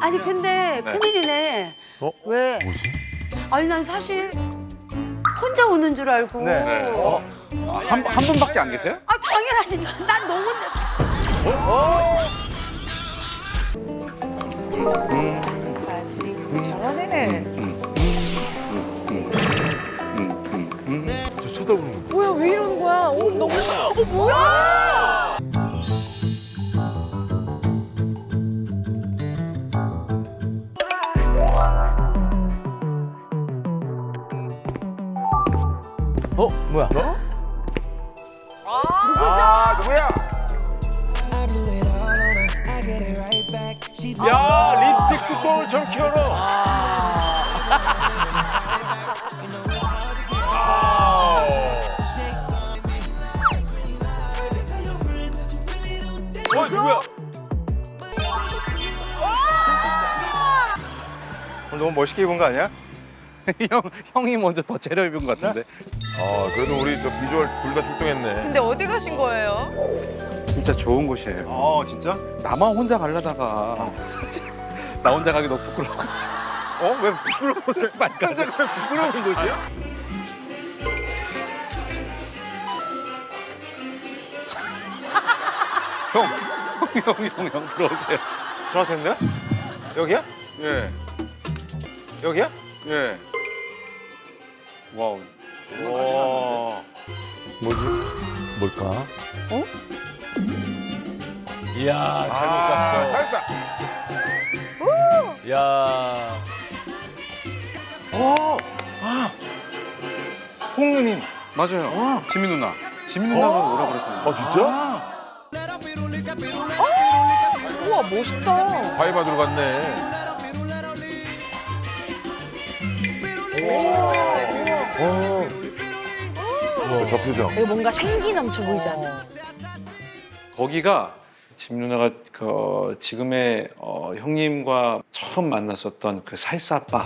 아니 근데 큰일이네. 왜? 뭐지? 아니 난 사실 혼자 오는 줄 알고. 한 분밖에 안 계세요? 아 당연하지. 난 너 혼자. 잘하네. 저 쳐다보는 거. 뭐야, 왜 이러는 거야? 너무. 뭐야? 뭐야? 아, 누구야? 야, 립스틱 뚜껑을 좀 켜라. 누구야? 너무 멋있게 입은 거 아니야? 형이 먼저 더 제려 입은 것 같은데. 그래도 우리 저 비주얼 둘 다 출동했네. 근데 어디 가신 거예요? 진짜 좋은 곳이에요. 진짜? 나만 혼자 가려다가 나 혼자 가기 너무 부끄러워가지고. 왜 부끄러워? 혼자 가면 부끄러운 곳이야? 형 들어오세요. 들어왔는데? 여기야? 예, 여기야? 예. 와우. 와. 뭐지? 뭘까? 이야, 잘못 갔어. 살사. 야. 홍누님. 맞아요. 지민 누나. 지민 누나가 오라 그랬어요. 진짜? 우와, 멋있다. 과일 받으러 갔네. 우와, 저 표정. 이거 뭔가 생기 넘쳐 보이잖아. 거기가 지민 누나가 지금의 형님과 처음 만났었던 그 살사바.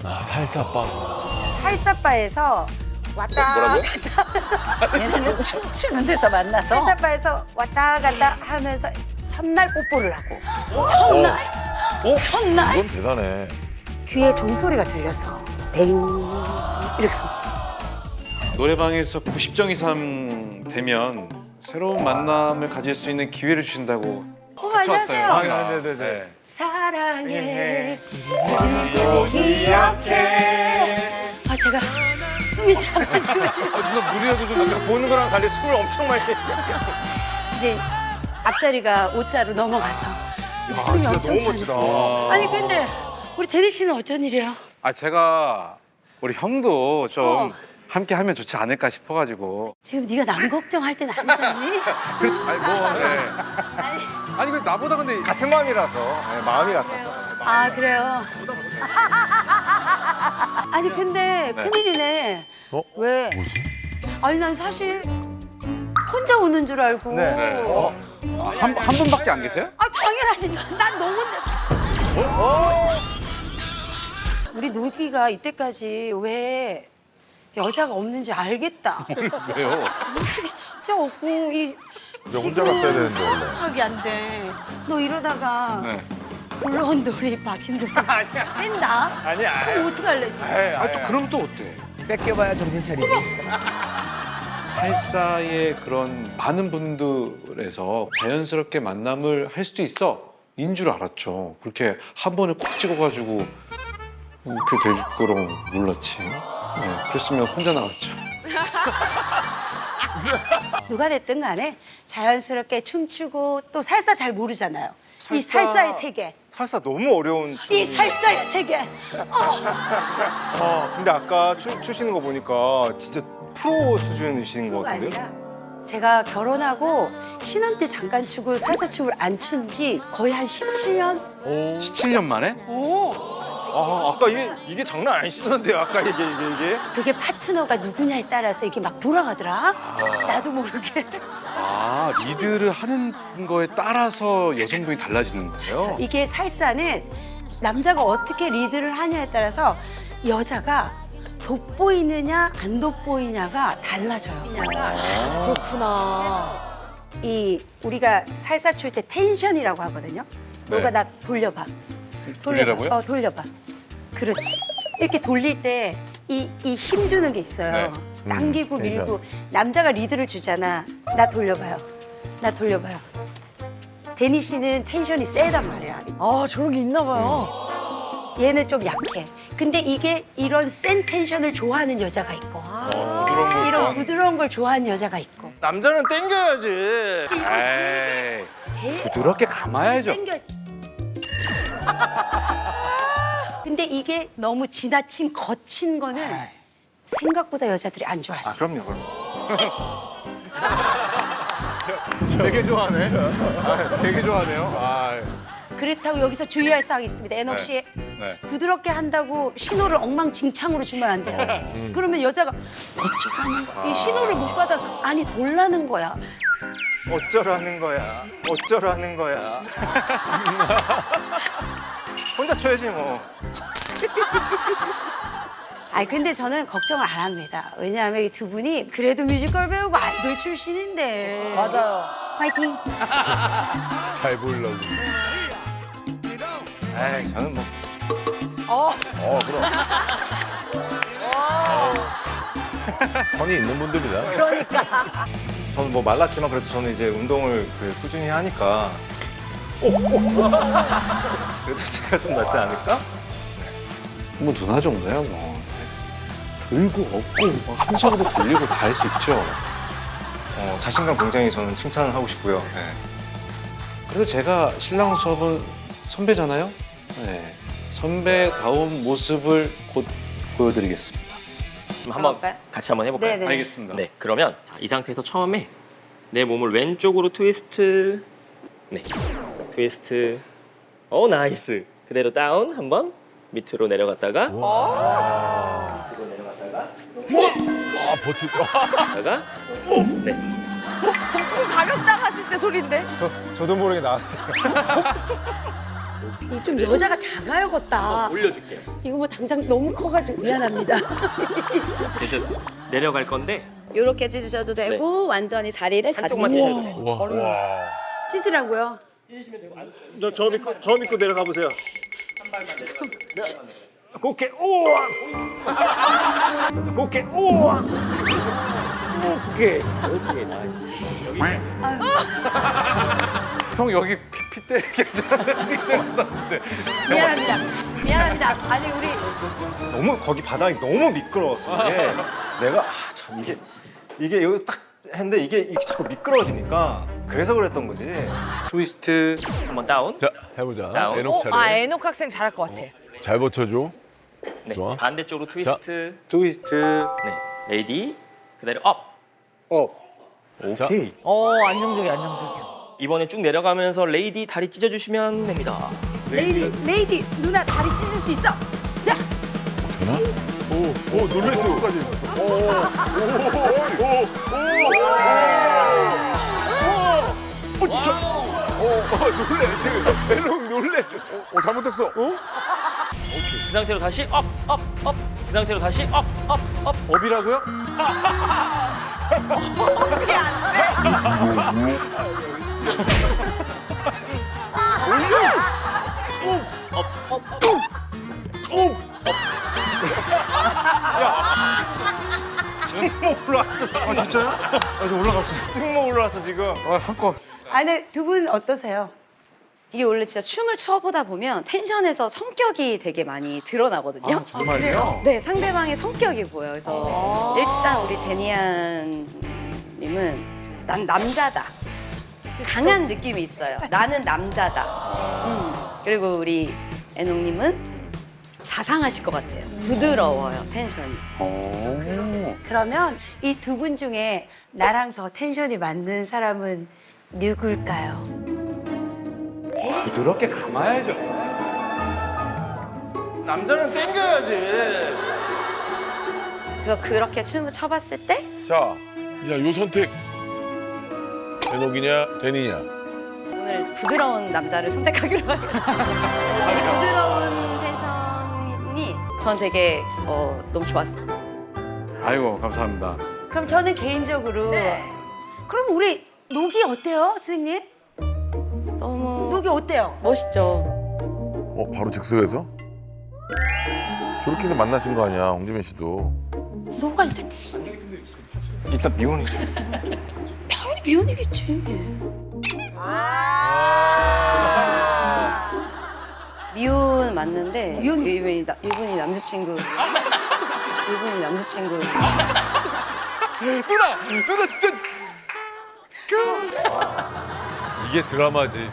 살사빠. 살사바에서 왔다 뭐라고요? 얘는 춤추는 데서 만나서 살사바에서 왔다 갔다 하면서 첫날 뽀뽀를 하고 첫날 이건 대단해. 귀에 종소리가 들려서 댕 이렇게 노래방에서 90점 이상 되면 새로운 만남을 가질 수 있는 기회를 주신다고 안녕하세요. 네네네. 사랑해 그리고 기억해 제가 숨이 차가지고 누나 무리해도 좀 보는 거랑 달리 숨을 엄청 많이. 이제 앞자리가 5자로 넘어가서 이제 숨이 진짜 엄청 너무 차네. 멋지다. 아니 근데 우리 대리 씨는 어쩐 일이에요? 제가 우리 형도 좀 함께 하면 좋지 않을까 싶어가지고. 지금 네가 남 걱정할 땐 아니잖니? 그렇죠. 아니, 근데 나보다 근데 같은 마음이라서. 네, 마음이 같아서. 아 그래요? 아니 근데 큰일이네. 왜? 뭐지? 아니 난 사실 혼자 오는 줄 알고. 네. 한 분밖에 안 계세요? 아 당연하지. 난 너 혼자. 우리 노기가 이때까지 왜 여자가 없는지 알겠다. 왜요? 눈치가 진짜 없고 이 혼자 갔어야 되는데, 원래. 생각이 안 돼. 너 이러다가 네. 굴러온 돌이 박힌 돌이 뺀다? 아니야. 그럼 어떡할래 지금? 그럼 또 어때? 뺏겨봐야 정신 차리지. 살사의 그런 많은 분들에서 자연스럽게 만남을 할 수도 있어. 인 줄 알았죠. 그렇게 한 번에 콕 찍어가지고 이렇게 될 거라고 몰랐지. 네, 그랬으면 혼자 나갔죠. 누가 됐든 간에 자연스럽게 춤추고 또 살사 잘 모르잖아요. 이 살사의 세계. 살사 너무 어려운 춤. 이 살사의 세계. 근데 아까 추시는 거 보니까 진짜 프로 수준이신 것 그거가 같은데요? 아니라 제가 결혼하고 신혼 때 잠깐 추고 살사 춤을 안 춘 지 거의 한 17년? 17년 만에? 아까 이게 장난 아니시던데요? 아까 이게. 그게 파트너가 누구냐에 따라서 이게 막 돌아가더라. 나도 모르게. 리드를 하는 거에 따라서 여성분이 달라지는 거예요? 이게 살사는 남자가 어떻게 리드를 하냐에 따라서 여자가 돋보이느냐 안 돋보이냐가 달라져요. 그렇구나. 이 우리가 살사 출 때 텐션이라고 하거든요. 너가 네. 나 돌려봐. 돌리라고요? 돌려봐. 그렇지. 이렇게 돌릴 때 이 힘 주는 게 있어요. 네. 당기고 텐션. 밀고. 남자가 리드를 주잖아. 나 돌려봐요. 나 돌려봐요. 데니 씨는 텐션이 세단 말이야. 아 저런 게 있나 봐요. 얘는 좀 약해. 근데 이게 이런 센 텐션을 좋아하는 여자가 있고 부드러운 걸 이런 좋아하는- 부드러운 걸 좋아하는 여자가 있고 남자는 땡겨야지. 에이, 부드럽게 감아야죠. 땡겨. 근데 이게 너무 지나친 거친 거는 생각보다 여자들이 안 좋아할 수 있어. 그럼요. 되게 좋아하네. 되게 좋아하네요. 그렇다고 여기서 주의할 사항이 있습니다. 애녹 씨 부드럽게 한다고 신호를 엉망진창으로 주면 안 돼요. 그러면 여자가 어쩌라는 거야. 이 신호를 못 받아서 아니 돌라는 거야. 어쩌라는 거야. 어쩌라는 거야. 혼자 쳐야지 뭐. 아니 근데 저는 걱정을 안 합니다. 왜냐하면 이 두 분이 그래도 뮤지컬 배우고 아이돌 출신인데. 맞아요. 화이팅. 잘 보이려고. 에이, 저는 뭐. 그럼. 선이 있는 분들이다. 그러니까. 저는 뭐 말랐지만 그래도 저는 이제 운동을 꾸준히 하니까. 그래도 제가 좀 낫지 않을까? 뭐 누나 정도야 뭐. 들고 업고 막 한 손으로 돌리고 다 할 수 있죠. 자신감 굉장히 저는 칭찬을 하고 싶고요. 네. 그래도 제가 신랑 수업은 선배잖아요. 네. 선배다운 모습을 곧 보여드리겠습니다. 그럼 한번 해볼까요? 같이 한번 해볼까요? 네네. 알겠습니다. 네, 그러면 이 상태에서 처음에 내 몸을 왼쪽으로 트위스트. 네, 트위스트. 오, 나이스. 그대로 다운 한번 밑으로 내려갔다가 밑으로 내려갔다가 다가 네. 가격 나갔을 때 소리인데. 저도 모르게 나왔어요. 이 좀 여자가 작아요, 걷다. 올려줄게요. 이거 뭐 당장 너무 커가지고 미안합니다. 됐었어요. 내려갈 건데 이렇게 찢으셔도 되고 완전히 다리를 다 한쪽만 찢어도 돼요. 찢으라고요. 저 믿고 내려가 보세요. 오케이, 우와! 오케이, 우와! 오케이. 오케이, 나이스. 형 여기 핏대 괜찮은데. 미안합니다. 미안합니다. 아니 우리 너무 거기 바닥이 너무 미끄러웠어. 이게 내가 참 이게 여기 딱 했는데 이게 자꾸 미끄러워지니까 그래서 그랬던 거지. 트위스트. 한번 다운. 자, 해보자. 다운. 애녹 차례. 아 애녹 학생 잘할 것 같아. 잘 버텨줘. 네, 좋아. 반대쪽으로 트위스트. 트위스트. 네, 레이디. 그대로 업. 오케이. 안정적이야 안정적이야. 이번에 쭉 내려가면서 레이디 다리 찢어주시면 됩니다. 레이디 누나 다리 찢을 수 있어. 자, 오, 놀랬어. 놀래. 지금 애녹 놀랬어. 잘못했어. 그 상태로 다시 업, 업, 업. 그 상태로 다시 업, 업, 업. 업이라고요? 승모 올라왔어. 진짜요? 아, 이거 올라갔어요. 승모 올라왔어 지금. 한껏. 아니 두 분 어떠세요? 이게 원래 진짜 춤을 춰보다 보면 텐션에서 성격이 되게 많이 드러나거든요. 정말요? 네, 상대방의 성격이 보여요. 그래서 일단 우리 데니안 님은 난 남자다. 강한 느낌이 있어요. 나는 남자다. 그리고 우리 애녹 님은 자상하실 것 같아요. 부드러워요, 텐션이. 그러면 이 두 분 중에 나랑 더 텐션이 맞는 사람은 누굴까요? 부드럽게 감아야죠. 남자는 땡겨야지. 그래서 그렇게 춤을 춰봤을 때 자, 이제 요 선택. 애녹이냐, 데니냐. 오늘 부드러운 남자를 선택하기로 해요. 이 부드러운 텐션이 전 되게 너무 좋았어요. 아이고 감사합니다. 그럼 저는 개인적으로 그럼 우리 녹이 어때요, 선생님? 너무 녹이 어때요? 멋있죠. 바로 즉석에서? 저렇게 해서 만나신 거 아니야, 홍지민 씨도. 너가 일단 대신 일단 미혼이지. 당연히 미혼이겠지. 미혼 맞는데 미혼이지. 이분이 남자친구. 이분이 남자친구. 누나 짠. 이게 드라마지.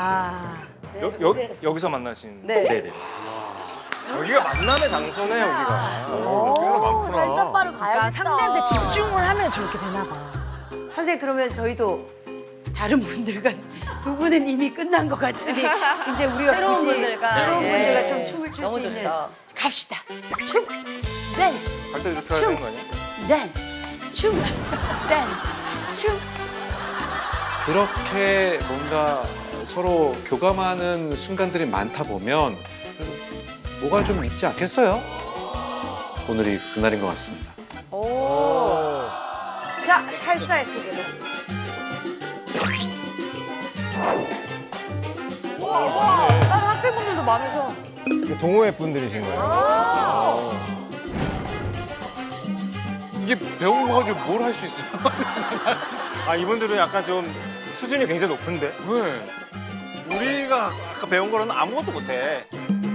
여기서 만나신. 네. 네네. 여기가 만남의 장소네 여기가. 오, 살사빠를 가야겠다. 상대한테 집중을 하면 저렇게 되나 봐. 선생님 그러면 저희도 다른 분들과 두 분은 이미 끝난 것 같으니 이제 우리가 새로운 굳이 분들과, 새로운 예. 분들과 좀 춤을 출 수 너무 있는 좋죠. 갑시다. 춤, 댄스, 갈 때 이렇게 해야 되는 거 아니야? 댄스, 춤, 댄스, 춤. 그렇게 뭔가 서로 교감하는 순간들이 많다 보면 그래도 뭐가 좀 있지 않겠어요? 오늘이 그날인 것 같습니다. 자, 살사의 세계로. 다른 학생분들도 많으셔. 이게 동호회 분들이신 거예요? 이게 배운 거 가지고 뭘 할 수 있어요? 아 이분들은 약간 좀 수준이 굉장히 높은데? 왜? 우리가 아까 배운 거로는 아무것도 못해.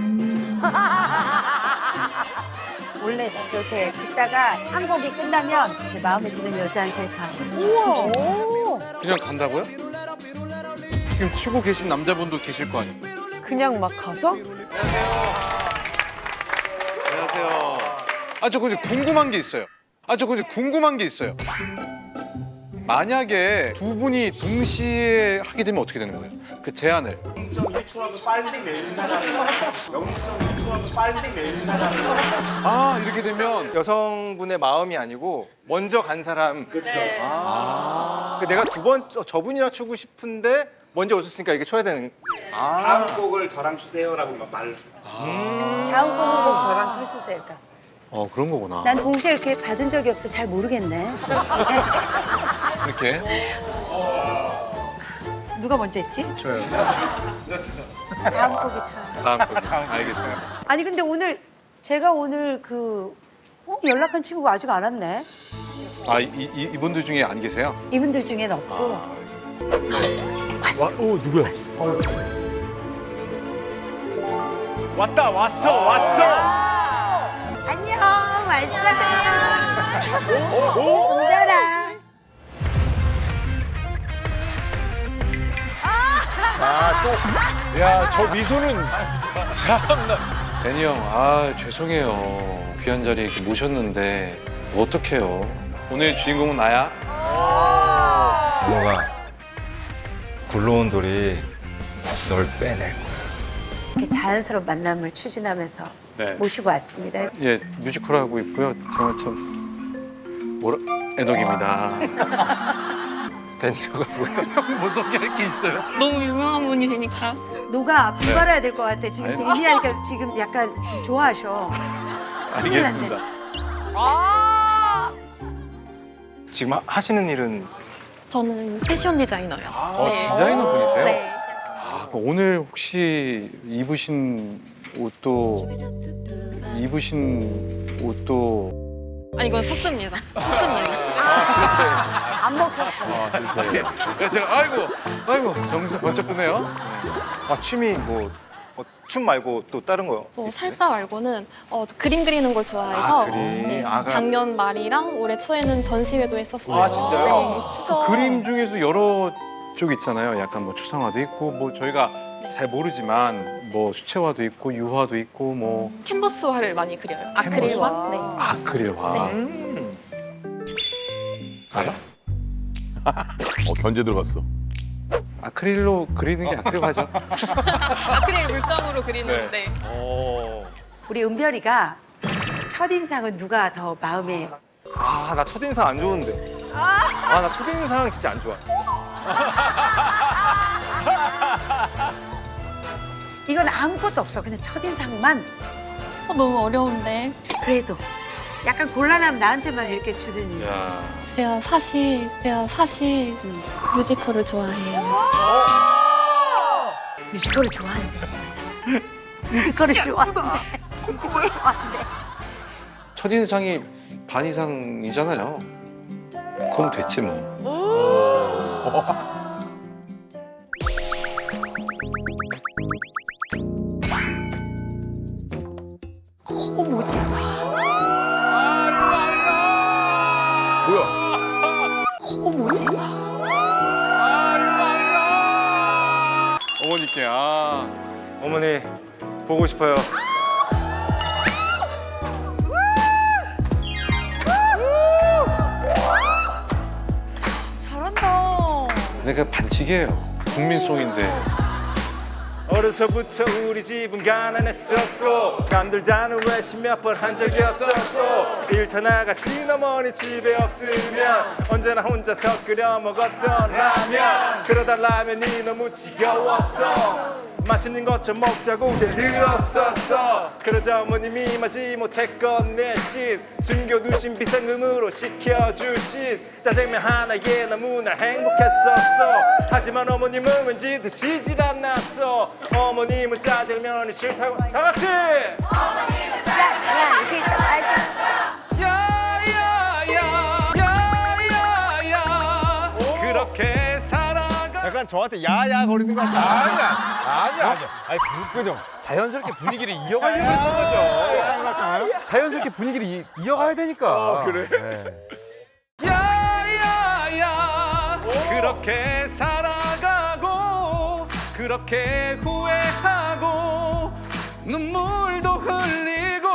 원래 이렇게 듣다가 한 곡이 끝나면 이렇게 마음에 드는 여자한테 가서 우와. 그냥 간다고요? 지금 추고 계신 남자분도 계실 거 아니에요? 그냥 막 가서? 안녕하세요. 저 근데 궁금한 게 있어요. 만약에 두 분이 동시에 하게 되면 어떻게 되는 거예요? 그 제안을. 0.1초라도 빨리 내는 사람 0.1초라도 빨리 내는 사람 아, 이렇게 되면 여성분의 마음이 아니고 먼저 간 사람. 그렇죠. 내가 두 번 저분이랑 추고 싶은데 먼저 오셨으니까 이게 쳐야 되는. 다음 곡을 저랑 주세요라고 말 다음 곡은 저랑 쳐주세요. 그러니까. 그런 거구나. 난 동시에 이렇게 받은 적이 없어 잘 모르겠네. 이렇게. 누가 먼저 했지? 저요. 다음 곡이 쳐요. 다음 곡. 알겠어요. 아니 근데 제가 오늘 연락한 친구가 아직 안 왔네. 이분들 중에 안 계세요? 이분들 중엔 없고. 누구야? 안녕, 왔어. 오더라. 야, 저 미소는 참나. 데니 형, 죄송해요. 귀한 자리에 이렇게 모셨는데 어떡해요. 오늘 주인공은 나야? 너가 굴러온 돌이 널 빼낼 거야. 이렇게 자연스러운 만남을 추진하면서 네. 모시고 왔습니다. 예, 뮤지컬 하고 있고요. 제가 참 애덕입니다. 데니라고 하고요. 뭐 소개할 게 있어요? 너무 유명한 분이 되니까. 너가 분발해야 될 것 같아. 지금 아니. 데니하니까 지금 약간 좀 좋아하셔. 알겠습니다. 지금 하시는 일은 저는 패션 디자이너요. 네. 디자이너 분이세요? 네. 그럼 오늘 혹시 입으신 옷도 아니 이건 샀습니다. 샀습니다. 안 먹혔어. 제가 아이고 정신 번쩍 드네요. 취미 춤 말고 또 다른 거요? 저 살사 말고는 그림 그리는 걸 좋아해서 그림. 네, 그럼- 작년 말이랑 올해 초에는 전시회도 했었어요. 진짜요? 그림 중에서 여러 쪽 있잖아요. 약간 뭐 추상화도 있고 뭐 저희가 잘 모르지만 뭐 수채화도 있고 유화도 있고 뭐 네. 캔버스화를 많이 그려요. 아크릴화. 네. 아크릴화. 견제 들어갔어. 아크릴로 그리는 게 아크릴화죠. 아크릴 물감으로 그리는데 우리 은별이가 첫인상은 누가 더 마음에 나 첫인상 안 좋은데. 나 첫인상 진짜 안 좋아. 이건 아무것도 없어. 그냥 첫인상만. 너무 어려운데. 그래도 약간 곤란하면 나한테만 이렇게 주더니. 야. 제가 사실 뮤지컬을 좋아해요. 뮤지컬을 좋아하는데. 뮤지컬을 좋아하는데. 뮤지컬을 좋아하는데. 첫인상이 반 이상이잖아요. 그럼 됐지 뭐. 뭐야? 어머니께 어머니 보고 싶어요. 잘한다. 내가 반칙이에요. 국민송인데. 어려서부터 우리 집은 가난했었고 감들다는 외식 몇 번 한 적이 없었고 일터 나가신 어머니 집에 없으면 언제나 혼자서 끓여 먹었던 라면 그러다 라면이 너무 지겨웠어 맛있는 것 좀 먹자고 들었었어 그러자 어머님이 마지못했건 내신 숨겨두신 비상금으로 시켜주신 짜장면 하나에 너무나 행복했었어 하지만 어머님은 왠지 드시질 않았어 어머님은 짜장면이 싫다고 다 같이 어머님은 짜장면이 싫다고 하셨어 야야야야야야 그렇게 살아가. 약간 저한테 야야 거리는 것 같아 아니야. 아니 그죠. 자연스럽게 분위기를 이어가려고 했던 거죠. 야야 같잖아요 자연스럽게 분위기를 이어가야 되니까. 그래. 야야야 그렇게 살아가고 그렇게 후회하고 눈물도 흘리고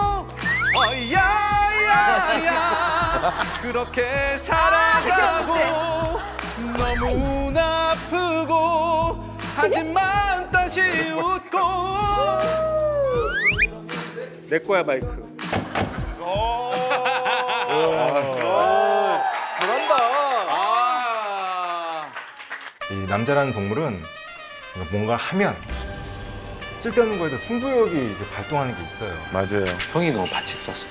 야야야 그렇게 살아가고 너무나 아프고 하지만 다시 웃고 내 거야 마이크 잘한다 이 남자라는 동물은 뭔가 하면 쓸데없는 거에도 승부욕이 발동하는 게 있어요 맞아요. 형이 너무 반칙 썼어.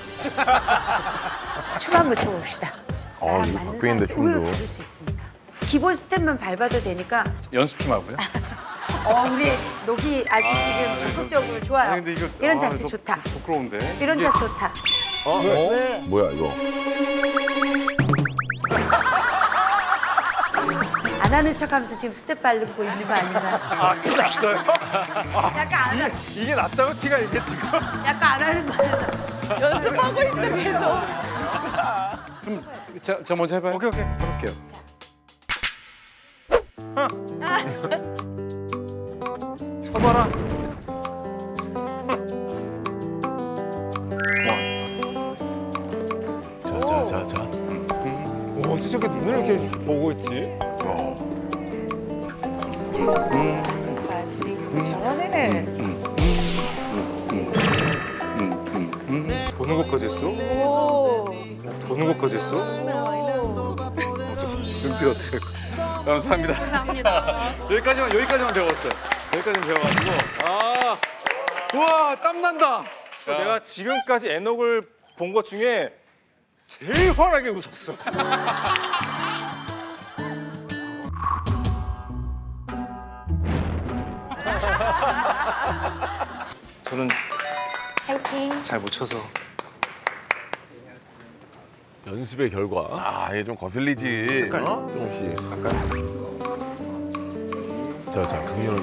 춤 한번 춰봅시다. 나랑 이거 맞는 바뀌는데, 사람 의외로 춤도. 다를 수 있으니까. 기본 스텝만 밟아도 되니까. 연습 좀 하고요. 우리 녹이 아주 지금 적극적으로 좋아요. 아니, 근데 이거- 이런 아, 자세 이거 좋다. 부끄러운데. 이런 자세 좋다. 왜? 뭐야 이거? 안 하는 척하면서 지금 스텝 밟고 있는 거 아닌가? 아 티 났어요? 약간 안 하, 이게 낫다고 티가 이게 지금 약간 안 하는 거 같아. 연습하고 있어 계속. 자 먼저 해봐요. 오케이 해볼게요. 쳐봐라 자. 오 어떻게 저렇게 눈을 이렇게 보고 있지? 잘하네. 보는 것까지 했어? 오. 보는 것까지 했어? 눈빛 어떻게 할까? 감사합니다. 감사합니다. 여기까지만 배웠어요. 여기까지만 배워가지고 우와 땀 난다. 내가 지금까지 애녹을 본 것 중에 제일 환하게 웃었어 저는 잘 못 쳐서 연습의 결과. 아, 얘 좀 거슬리지. 어? 조금씩. 자, 강렬한.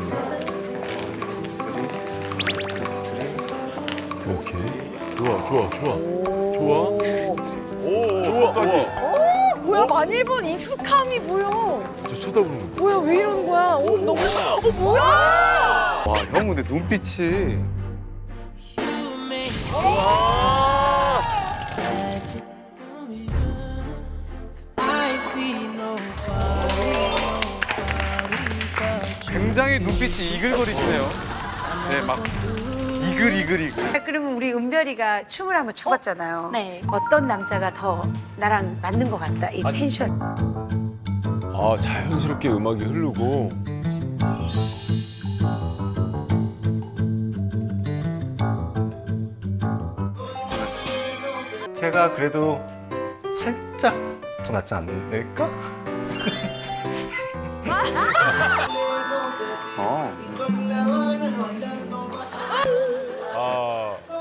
오케이. 좋아. 뭐야 많이 해본 익숙함이 보여. 저 쳐다보는 거. 뭐야 왜 이러는 거야? 너무. 뭐야? 와 형 근데 눈빛이 굉장히 눈빛이 이글거리시네요. 네, 막 이글. 그러면 우리 은별이가 춤을 한번 춰봤잖아요. 네. 어떤 남자가 더 나랑 맞는 것 같다. 이 텐션. 아, 자연스럽게 음악이 흐르고. 제가 그래도 살짝 더 낫지 않을까?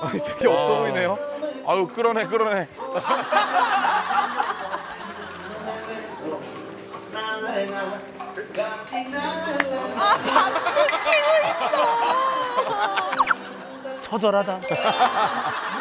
되게 없어 보이네요. 아유 끌어내 끌어내. 처절하다.